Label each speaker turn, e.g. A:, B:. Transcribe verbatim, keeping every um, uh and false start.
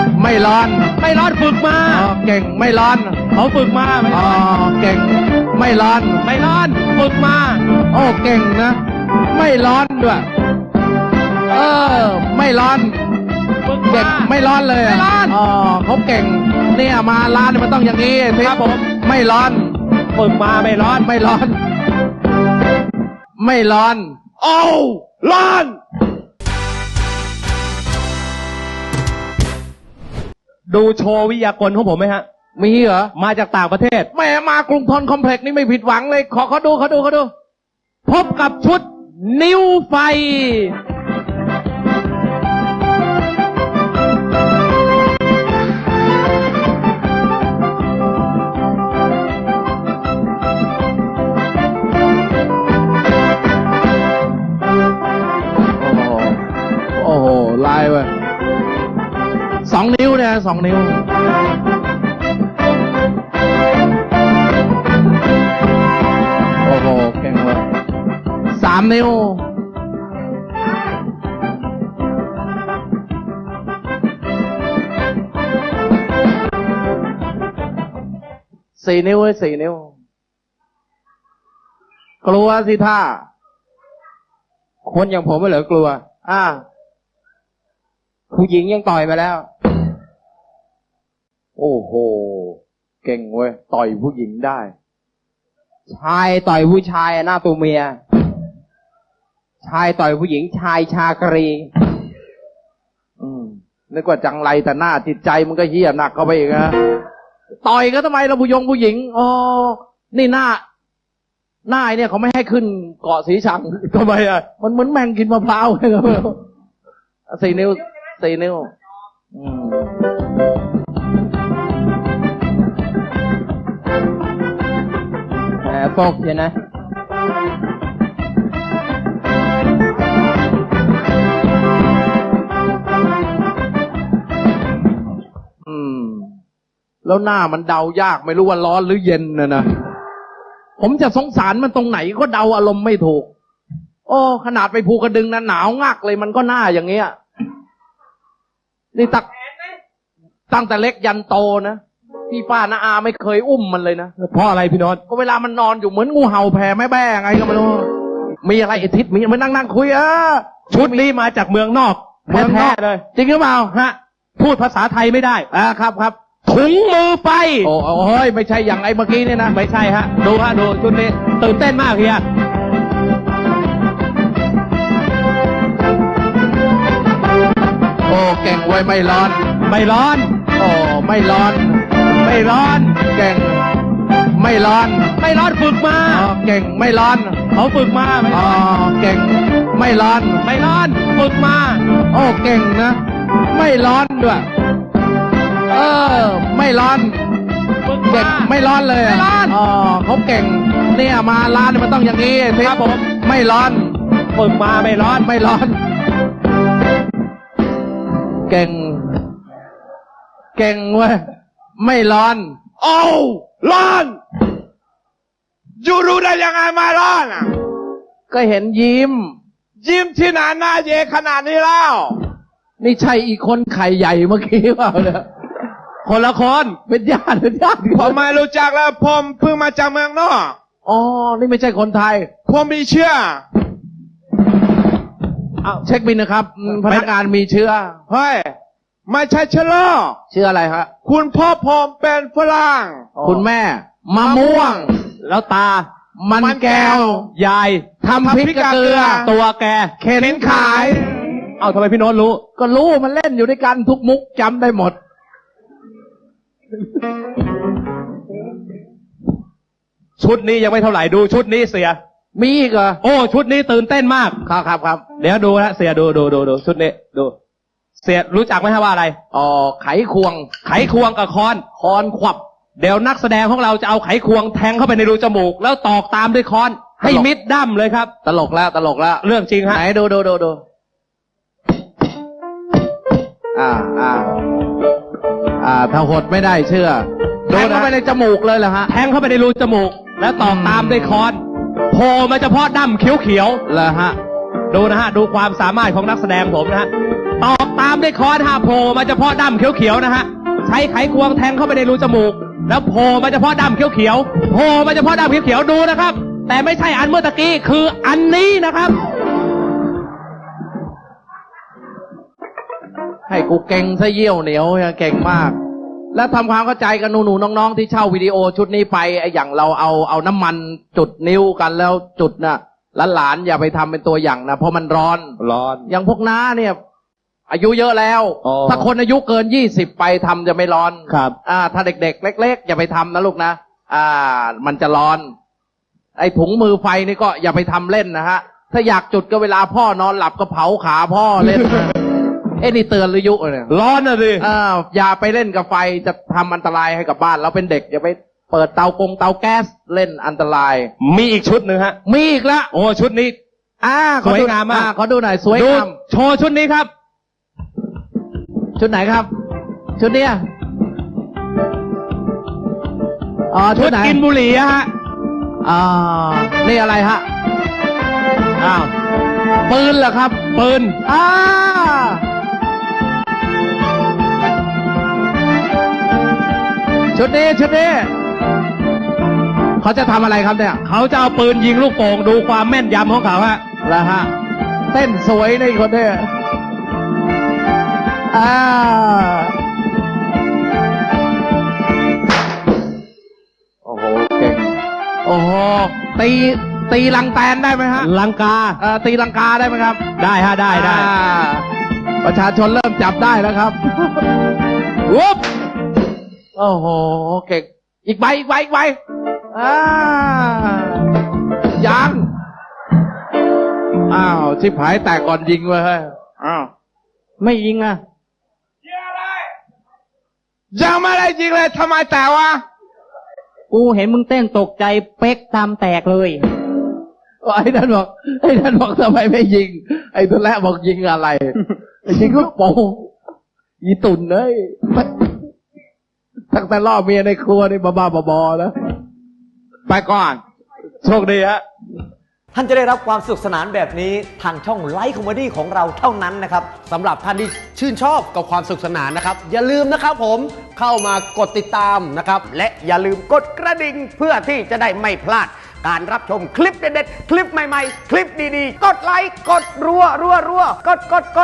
A: ไม่ร้อน
B: ไม่ร้อนฝึกมา
A: อ๋อเก่งไม่ร้อน
B: เขาฝึกมา
A: อ๋อเก่งไม่ร้อน
B: ไม่ร้อนฝึกมา
A: โอ้เก่งนะไม่ร้อนด้วยเออไม่ร้อน
B: ฝึก
A: เก่งไม่ร้อนเลย
B: ไม่ร้อน
A: อ๋อเขาเก่งเนี่ยมาร้านมันต้องอย่างนี้สิ
B: ครับผม
A: ไม่ร้อน
B: ฝึกมาไม่ร้อน
A: ไม่ร้อนไม่ร้อน
B: โอ้ร้อนดูโชว์วิทยากรของผมไหมฮะ
A: มีเหรอ
B: มาจากต่างประเทศ
A: แม่มากรุงทนคอมเพล็กซ์นี่ไม่ผิดหวังเลยขอเขาดูเขาดูเขาดู
B: พบกับชุดนิ้วไฟ
A: โอ้โหลายเว้ยสองนิ้วเนี่ยสองนิ้วโอ้โหเก่งเลยสามนิ้วสี่นิ้วเว้ยสี่นิ้วกลัวสิท่า
B: คนอย่างผมไม่เหรอกลัว
A: อ่า
B: ผู้หญิงยังต่อยมาแล้ว
A: โอ้โหเก่งเว้ยต่อยผู้หญิงได้
B: ชายต่อยผู้ชายหน้าตัวเมียชายต่อยผู้หญิงชายชากรี
A: อืมนึกว่าจังไรแต่หน้าจิตใจมันก็เหี้ยหนักเข้าไปอีกนะต่อยก็ทำไมเราผู้ยงผู้หญิงอ๋อนี่หน้าหน้าเนี่ยเขาไม่ให้ขึ้นเกาะสีชัง
B: ทำไมอ่ะ
A: มันเหมือนแมงกินมะพร้าวเลยครับสี่นิ้วสี่นิ้วอืม
B: แหมโฟกเห็นนะ
A: อืมแล้วหน้ามันเดายากไม่รู้ว่าร้อนหรือเย็นนะนะผมจะสงสารมันตรงไหนก็เดาอารมณ์ไม่ถูกโอ้ขนาดไปภูกระดึงนะหนาวงักเลยมันก็หน้าอย่างเงี้ยนี่ตักตั้งแต่เล็กยันโตนะพี่ป้าน้าอาไม่เคยอุ้มมันเลยนะ
B: เพราะอะไรพี่โน้ต
A: ก็เวลามันนอนอยู่เหมือนงูเห่าแผ่แม่แบ้ไงก็ไม่รู้มีอะไรไอทิศมีมานั่งนั่งคุยเออ
B: ชุดนี้มาจากเมืองนอก
A: เมืองนอก
B: เลย
A: จริงหรือเปล่า
B: ฮะพูดภาษาไทยไม่ได้
A: อ่าครับครับ
B: ถุงมือไฟ
A: โอ้โหไม่ใช่อย่างไอ้เมื่อกี้นี่นะ
B: ไม่ใช่ฮะดูฮะดูชุดนี้ตื่นเต้นมากเฮีย
A: โอ้เก่งไว้ไม่ร้อน
B: ไม่ร้อน
A: โอ้ไม่ร้อน
B: ไม่ร้อน
A: เก่งไม่ร้อน
B: ไม่ร้อนฝึกมา
A: อ๋อเก่งไม่ร้อน
B: เขาฝึกมา
A: อ๋อเก่งไม่ร้อน
B: ไม่ร้อนฝึกมา
A: โอ้เก่งนะไม่ร้อนด้วยเออไม่ร้อนเก่งไม่ร้อนเลย
B: ไม่ร้อน
A: อ๋อเขาเก่งเนี่ยมาร้านมันต้องอย่างนี้สิ
B: ครับผม
A: ไม่ร้อน
B: ฝึกมาไม่ร้อน
A: ไม่ร้อนเก่งเก่งเว้ยไม่ร้อน
B: โอ้ร้อนอยู่รู้ได้ยังไงมาร้อนอ่ะ
A: ก็เห็นยิ้ม
B: ยิ้มที่หน้าหน้าเยขนาดนี้แล้ว
A: นี่ใช่อีกคนไข่ใหญ่เมื่อกี้เปล่าเนี่ย
B: คนละคน
A: เป็นญาติเป็นญาติ
B: ผมไม่รู้จักแล้วผมเพิ่งมาจากเมืองนอก
A: อ๋อนี่ไม่ใช่คนไทย
B: ผมมีเชื้อ
A: เอาเช็คบินนะครับพนักงานมีเชื้อ
B: เฮ้ยไม่ใช่เชื้อโรค
A: เชื้ออะไรฮะ
B: คุณพ่อผมเป็นฝรั่ง
A: คุณแม่มะม่วง
B: แล้วตา
A: มันแก้วย
B: าย
A: ทำพริกกระเกลือ
B: ตัวแก
A: เข็นขาย
B: เอาทำไมพี่โน้ตรู้
A: ก็รู้มันเล่นอยู่ด้วยกันทุกมุกจำได้หมด
B: ชุดนี้ยังไม่เท่าไหร่ดูชุดนี้เสีย
A: มีอีกเหรอ
B: โอ้ชุดนี้ตื่นเต้นมาก
A: ครับครับครับ
B: เดี๋ยวดูนะเสียดูดูดูดูชุดนี้ดูเสียรู้จักไหมฮะว่าอะไร
A: อ๋อไขควง
B: ไขควงกับค้อน
A: ค้อนขวับ
B: เดี๋ยวนักแสดงของเราจะเอาไขควงแทงเข้าไปในรูจมูกแล้วตอกตามด้วยค้อนให้มิดดั้มเลยครับ
A: ตลกแล้วตลกแล้ว
B: เรื่องจริงฮะ
A: ไหนดูดูดูดูอ่าอ่าอ่าถ้าหดไม่ได้เชื่อแทงเข้าไปในจมูกเลยเหรอฮะ
B: แทงเข้าไปในรูจมูกแล้วตอกตามด้วยค้อนโผล่มาเฉพาะดั้มเขียวๆ
A: เหรอฮะ
B: ดูนะฮะดูความสามารถของนักแสดงผมนะฮะตอกตามด้วยค้อนฮะโผล่มาเฉพาะด้ามเขียวๆนะฮะใช้ไขควงแทงเข้าไปในรูจมูกแล้วโผล่มาเฉพาะด้ามเขียวๆโผล่มาเฉพาะด้ามเขียวๆดูนะครับแต่ไม่ใช่อันเมื่อตะกี้คืออันนี้นะครับ
A: ให้กูเก่งซะเยี่ยวเหนียวเนี่ยเก่งมาก แล้วทำความเข้าใจกับหนูๆน้องๆที่เช่าวิดีโอชุดนี้ไปไอ้อย่างเราเอาเอาน้ำมันจุดนิ้วกันแล้วจุดน่ะหลานๆอย่าไปทำเป็นตัวอย่างนะเพราะมันร้อน
B: ร้อน
A: อย่างพวกน้าเนี่ย อายุเยอะแล้ว
B: อ๋อ
A: ถ้าคนอายุเกินยี่สิบไปทำจะไม่ร้อน
B: ครับ
A: อ่า ถ้าเด็กๆเล็กๆอย่าไปทำนะลูกนะอ่า มันจะร้อน ไอ้ถุงมือไฟนี่ก็อย่าไปทำเล่นนะฮะถ้าอยากจุดก็เวลาพ่อนอนหลับก็เผาขาพ่อเล่น เอ้นี่เตือนหรือยุเนี่ย
B: ร้อนนะสิ
A: อ่าอย่าไปเล่นกับไฟจะทำอันตรายให้กับบ้านเราเป็นเด็กอย่าไปเปิดเตากงเตาแก๊สเล่นอันตราย
B: มีอีกชุดหนึ่งฮะ
A: มีอีกละ
B: โอ้ชุดนี้
A: อ่าขอดู
B: สวยงามมาก
A: อ่ขอดูหน่อยสวย
B: ดู
A: งาม
B: โชว์ชุดนี้ครับ
A: ชุดไหนครับ ชุดเนี้ยอ๋อชุ
B: ชุ
A: ด
B: ด
A: ไหน
B: กินบุหรี่อะฮะ
A: อ่านี่อะไรฮะ
B: อ้าว
A: ปืนเหรอครับ
B: ปืน
A: อ่าชุดนี้ชุดนี้เขาจะทำอะไรครับเนี่ย
B: เขาจะเอาปืนยิงลูกโป่งดูความแม่นยำของเขาฮะ
A: แล้วฮะเต้นสวยในคนเนี่ยอ่าโอ้โหเก่งโอ้โหตีตีลังแตนได้ไหมฮะ
B: ลังกา
A: เอ่อตีลังกาได้ไหมครับ
B: ได้ฮะได้ได้
A: อ่าประชาชนเริ่มจับได้แล้วครับวุบโอ้โหเก่งอีกใบอีกใบอีกใบอ่ายังอ้าวชิบหายแตกก่อนยิงเว้ยเฮ้ยอ้าวไม่ยิงอ่ะ
B: ยังไม่ได้ยิงเลยทำไมแต่วะ
C: กูเห็นมึงเต้นตกใจเป๊กตามแตกเลย
A: ไอ้ท่านบอกไอ้ท่านบอกทำไมไม่ยิง ไอ้ตัวแรกบอกยิงอะไร ยิงลูกโป่งยีตุ่นเลยตั้งแต่ล่อเมียในครัวนี่บ้าๆบอๆนะ
B: ไปก่อน โชคดีฮะ
D: ท่านจะได้รับความสนุกสนานแบบนี้ทางช่องไลฟ์คอมเมดี้ของเราเท่านั้นนะครับ
E: สำหรับท่านที่ชื่นชอบกับความสนุกสนานนะครับ อย่าลืมนะครับผมเข้ามากดติดตามนะครับ
D: และอย่าลืมกดกระดิ่งเพื่อที่จะได้ไม่พลาด การรับชมคลิปเด็ดๆ คลิปใหม่ๆ คลิปดีๆ กดไลค์ กดรัวรัวรัวกดกดกด